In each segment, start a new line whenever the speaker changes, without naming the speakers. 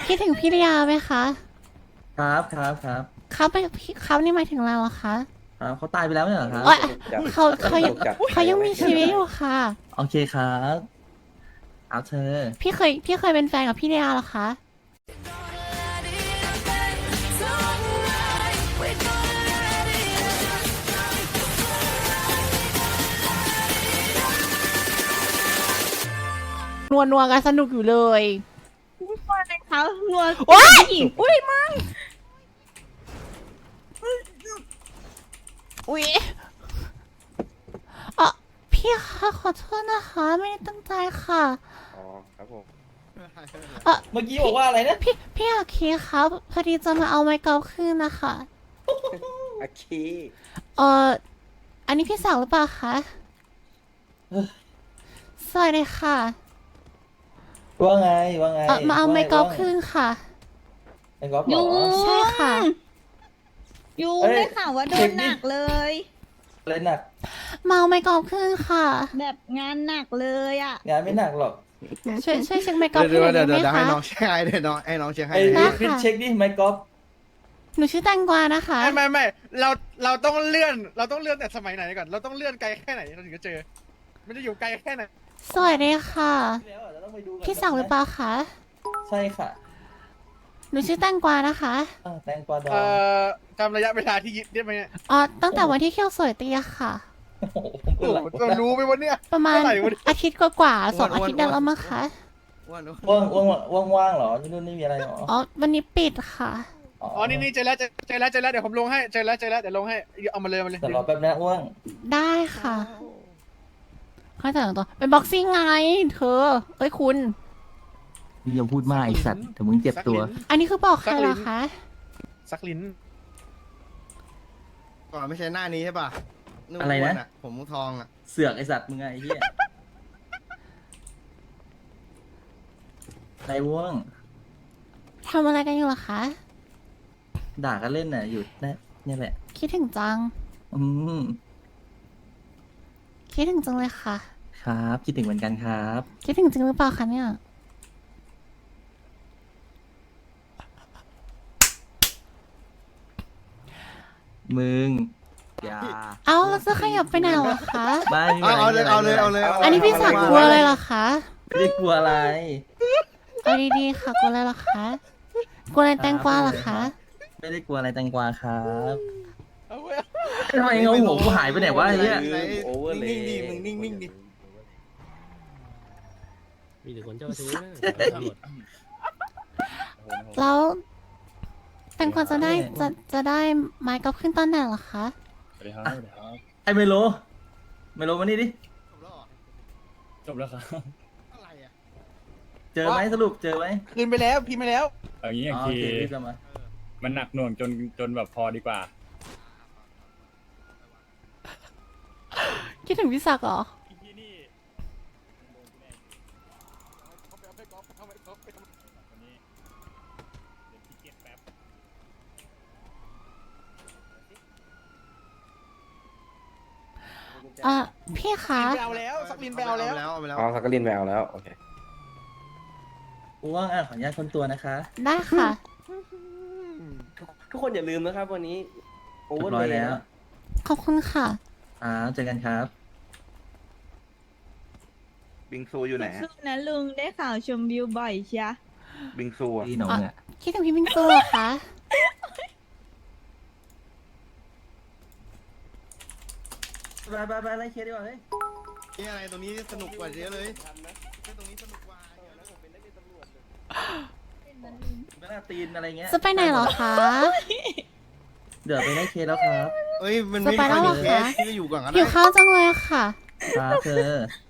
คิดถึงพี่ริยาไหมคะ
ครับ
เขาไปพี่เขานี่หมายถึงเราอะคะ
ครับเขาตายไปแล้วเนี่ยเหรอครับ
เอ้ยเขายังมีชีวิตอยู่ค่ะ
โอเคครับเอาเธอ
พี่เคยเป็นแฟนกับพี่ริยาเหรอคะนัวกันสนุกอยู่เลย
นัวเลยเขานัว
โอ๊ย
อุ้ยมั่ง
อุ๊ยเออพี่คะขอโทษนะคะ ไม่ได้ตั้งใจค่ะ
อ๋อครับผม
เมื่อกี้บอกว่าอะไรนะ
พี่อาคีครับพอดีจะมาเอาไม้กอล์ฟคืนนะคะ
อาคี
เอออันนี้พี่สาวหรือเปล่าคะสวัสดีค่ะ
ว่าไง
มาเอาไม้กอล์ฟคืนค่ะ
ไม้กอล์ฟเหร
ยุ
อง
ใช่ค่ะ
ยุง
เอ้ย
ได้ข่าวว่าโด
เช็
น
คดิ
หนักเลย
อะไรหนัก
มาเอาไม้กอล์ฟคืนค่ะ
แบบงานหนักเลยอ่ะ
งานไม่หนักหรอก
ช่วยเช็คไม้กอล์ฟให้หน่อยได้ไหม
ให้
คะ
น้องเช็คให้ให้น้องเช็คให้
ไอ้
ได้
พี่
ค่ะ
เช็คดิไม้กอล์ฟ
หนูชื่อแตงกวานะคะ
ไม่เราต้องเลื่อนแต่สมัยไหนก่อนเราต้องเลื่อนไกลแค่ไหนเราถึงจะเจอมันจะอยู่ไกลแค่ไหน
สวัสดีค่ะ
แล้วอะเราต้องไปดูก่อน
พี่สาวหรือเปล่าคะ
ใช่ค่ะ
หนูชื่อแตงกวานะคะ
แตงกวาดอง
จำระยะเวลาที่ยึดได้ไหมเนี่ย
ตั้งแต่วันที่เขี้ยวสวยเตียค่ะ
โอ้โห
โอ้โหเรารู้ไหมวันเนี้ย
ประมาณ
เท่าไหร่วะเนี่ย
อาทิตย์กว่าๆ2 อาทิตย์ได้แล้วมั้งคะ
ว่าหนู
ว่างเหรอที่นู่นไม่มีอะไรหรอ
วันนี้ปิดค่ะ
อ๋อนี่เจอแล้วเดี๋ยวผมลงให้เจอแล้วเดี๋ยวลงให้เอามาเลย
แต่รอแป๊บนะว่าง
ได้ค่ะเข้าใจตัวเป็นบ็อกซิ่งไง เธอ เอ้ยคุณ
อย่าพูดมากไอสัตว์แต่มึงเจ็บตัว
อันนี้คือบอกใครเหรอคะ
ซักลิ้น
ก่อนไม่ใช่หน้านี้ใช่ป่ะ
อะไรนะ
อ้วผมทองอ่ะ
เสือกไอสัตว์มึงไงไอ้เหี้ยไรว่าง
ทำอะไรกันอยู่เหรอคะ
ด่ากันเล่นน่ะอยู่เนี่ยแหละ
คิดถึงจัง
อืม
คิดถึงจังเลยค่ะ
ครับคิดถึงเหมือนกันครับ
คิดถึงจริงหรือเปล่าคะเนี่ย
มึงอย่า
เอาแล้วจะขยับไปไหนเหรอคะ
ไม่
เอาเลย
อันนี้พี่สักดิ์กลัวเลยเหรอคะ
ไม่ได้กลัวอะไร
เอาดีๆค่ะ กลัวอะไรเหรอคะ กลัวอะไรแตงกวาเหรอคะ
ไม่ได้กลัวอะไรแตงกวาครับ
เอาไว้
ทำไมเงาหัวกูหายไปไหนวะไอ้เนี่ย
โอเวอร์เลย
นิ่งๆดิมึงนิ่งๆดิ
มีแต่คนเจ้าชู้นะตำรวจ
แล้วแตงกวาจะได้ไม้กอล์ฟขึ้นตอนไหนเหรอคะ
สวัสดีครับสวัสดีครับ
ไอเมโลมานี่ดิ
จบแล้วครับ
อะไรอ่ะ
เจอไหมสรุปเจอไหม
คืนไปแล้วพิมพ์ไปแล้ว
เอางี้อย่า
อ๋
ง
อโอ
ที
เครีบกลับมา
มันหนักหน่วงจนแบบพอดีกว่า
คิดถึงพี่ศักดิ์เหรอ
ที่นี่วันนี้เดี๋ยวพี่เก็บแป๊บ
พี่คะ
ไปเอาแล้วซักลิ้นไปเอาแล้ว
เอาไปแล้ว
อ๋อสักกลินไปเอาแล้ว โอเค
กูว่างขออนุญาตคนตัวนะคะ
ได้ค่ะ
ทุกคนอย่าลืมนะครับ วันนี้โอเว
เรี
อย ร์
บร้อย
เล
แล้ว
ขอบคุณค่ะ
เจอกันครับ
บิงซูอยู่ไหน
สู้นะลุงได้ข่าวชมวิวบ่อยเชีย
บิงซูอ่ะ
พี่น้องอ่ะ
คิดถึงพี่บิงซูเหรอคะ
ไปไล่เคสดีกว่าเฮ้ย
นี่อะไรตรงนี้สนุกกว่าเยอะเลยตรงนี้สนุกกว่า
ไปหน้าตีนอะไรเงี้ย
จะไปไหนเหรอคะ
เดี๋ยวไปไล่เคสแล้วครับ
เอ้ยมันไม่
จะไปแล้วเหรอ
เค
คะ
สที่อยู่ก่อนก็
หิ
ได้
วข้าวจังเลยค่ะ
ครับเธอ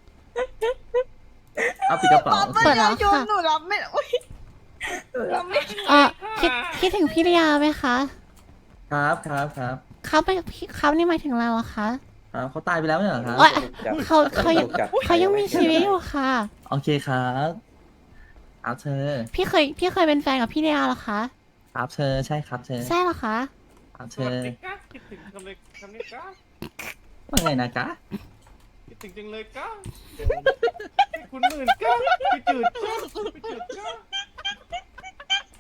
เอาปิดกระเป๋า
เปิดแล้วค่ะ
หนูรับไม่อุ๊ยหนูรับไม่
คิดถึงพี่ริยาไหมคะ
ครับ
เขานี่หมายถึงเราอะคะ
ครับเขาตายไปแล้วเนี่ยเหรอครับ
เอ้ย
จัด
เขายังมีชีวิตอยู่ค่ะ
โอเคครับเอาเธอ
พี่เคยเป็นแฟนกับพี่ริยาเหรอคะ
ครับเธอใช่ครับเธอ
ใช่เหรอคะ
เอาเธอ
คิดถึงคำนี้ก้า
ว่าไงนะกะ
คิดถึงจังเลยก้าคุณหมื่นก้าไปจืดก้าไปจืดก้า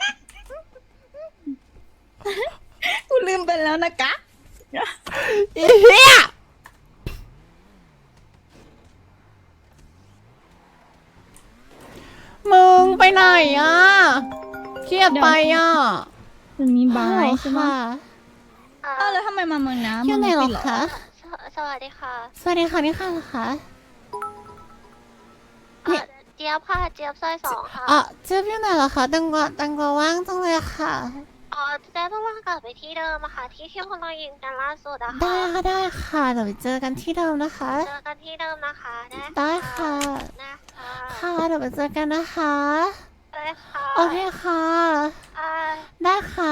แล้วนะคะ
อีเหี้ยมึงไปไหนอ่ะเครียดไปอ่ะ
มันมีบา
ฮัล
ย
โหล
ใช่ไหม
ค่ะ
เออแล้วทำไมมาเมืองน้ำ
อยู่ไหนเหรอ
มึงปิด
คะ
สวัสดีค่ะ
สวัสดีค่ะนี่ค่ะเหรอคะ เนี่ย
เจี๊ยบค่ะ เจี๊ยบซอยสองค่ะ
อ่ะเจ๊อยู่ไหนเหรอคะตังกวาว่างจังเลยค่ะ
เจ๊ต้องว่ากลับไปที่เดิมอะค่ะ ที่พวกเรายิงกันล่าสุดอะ
ได้
ค่ะ
ค่ะได้ค่ะเดี๋ยวไปเจอกันที่เดิมนะคะ
เจอกันที่เดิมนะคะ
ได้ค่ะ
นะคะ
ค่ะเดี๋ยวไปเจอกันนะคะ
ได้ค่ะ
โอเคค่ะ
อ่า
ได้ค่ะ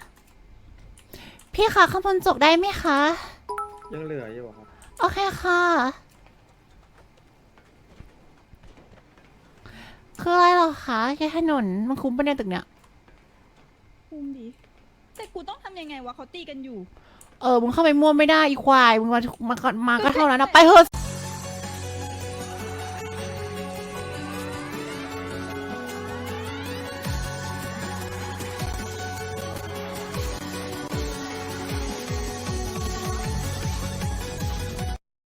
พี่คะข้างบนจกได้ไหมคะ
ยังเหลืออยู่ครับ
โอเคค่ะ คืออะไรเหรอคะแค่ถนนมันคุ้มปะเนี่ยตึกเนี่ย
คุมดิแต่กูต้องทำยังไงวะเขาตีกันอยู่
มึงเข้าไปม่วไม่ได้อีควาย มึงมาก็เท่านั้นนะไปเถอะ